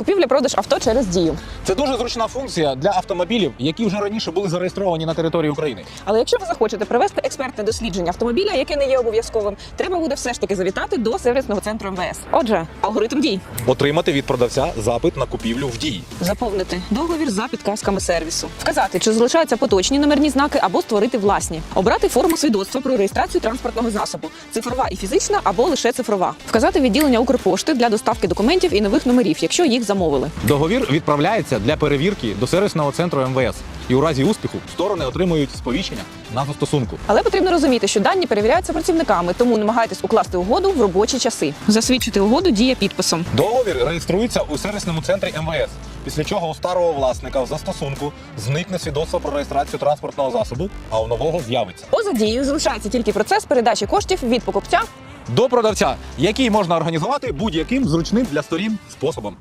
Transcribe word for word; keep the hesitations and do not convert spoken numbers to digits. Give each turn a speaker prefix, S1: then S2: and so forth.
S1: Купівля-продаж авто через Дію.
S2: Це дуже зручна функція для автомобілів, які вже раніше були зареєстровані на території України.
S1: Але якщо ви захочете провести експертне дослідження автомобіля, яке не є обов'язковим, треба буде все ж таки завітати до сервісного центру ем ве ес. Отже, алгоритм дій.
S2: Отримати від продавця запит на купівлю в Дії.
S1: Заповнити договір за підказками сервісу. Вказати, чи залишаються поточні номерні знаки або створити власні. Обрати форму свідоцтва про реєстрацію транспортного засобу. Цифрова і фізична або лише цифрова. Вказати відділення Укрпошти для доставки документів і нових номерів, якщо їх замовили.
S2: Договір відправляється для перевірки до сервісного центру ем ве ес. І у разі успіху сторони отримують сповіщення на застосунку.
S1: Але потрібно розуміти, що дані перевіряються працівниками, тому намагайтесь укласти угоду в робочі часи. Засвідчити угоду діє підписом.
S2: Договір реєструється у сервісному центрі ем ве ес, після чого у старого власника в застосунку зникне свідоцтво про реєстрацію транспортного засобу, а у нового з'явиться.
S1: Поза дією залишається тільки процес передачі коштів від покупця
S2: До продавця, який можна організувати будь-яким зручним для сторін способом.